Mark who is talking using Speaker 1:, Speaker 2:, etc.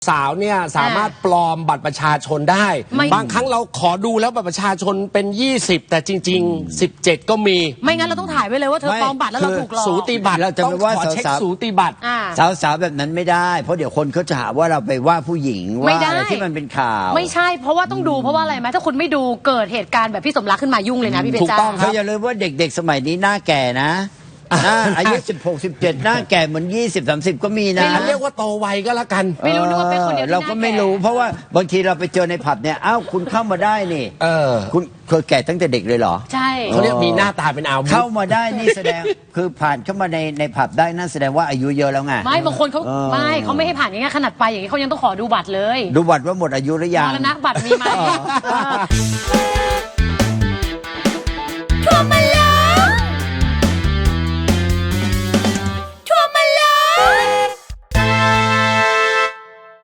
Speaker 1: สาวเนี่ยสามารถปลอมบัตรประชาชนได้บางครั้งเราขอดูแล้วบัตรประชาชนเป็น20แต่จริงๆ17ก็มี
Speaker 2: ไม่งั้นเราต้องถ่ายไว้เลยว่าเธอปลอมบัตรแล้วเราถูกหลอก
Speaker 1: สูติบัตร
Speaker 3: เราจะไม่ว่า
Speaker 1: ขอเช็ค
Speaker 3: สาวๆ
Speaker 1: สูติบัตร
Speaker 3: สาวแบบนั้นไม่ได้เพราะเดี๋ยวคนเขาจะหาว่าเราไปว่าผู้หญิงว่าอะไรที่มันเป็นข่าว
Speaker 2: ไม่ใช่เพราะว่าต้องดูเพราะว่าอะไรไหมถ้าคุณไม่ดูเกิดเหตุการณ์แบบพี่สมรักขึ้นมายุ่งเลยนะพี่เพชรจ้า
Speaker 3: เขาอย่าลืมว่าเด็กๆสมัยนี้หน้าแก่นะอายุ16-17หน้าแก่เหมือน20-30ก็มีนะ
Speaker 1: เรียกว่าโตไวก็แล้วกัน
Speaker 2: ไม่รู้นึกว่าเป็นคนเดียว
Speaker 3: เราก็ไม่รู้เพราะว่าบางทีเราไปเจอในผับเนี่ยอ้าวคุณเข้ามาได้นี่คุณเคยแก่ตั้งแต่เด็กเลยเหรอ
Speaker 2: ใช่
Speaker 1: เขาเรียกมีหน้าตาเป็นอาวุธ
Speaker 3: เข้ามาได้นี่แสดงคือผ่านเข้ามาในผับได้นั่นแสดงว่าอายุเยอะแล้วไง
Speaker 2: ไม่บางคนเขาไม่ให้ผ่านอย่างเงี้ยขนาดไปอย่างงี้เขายังต้องขอดูบัตรเลย
Speaker 3: ดูบัตรว่าหมดอายุหรือยัง
Speaker 2: มรณะบัตรมีไหม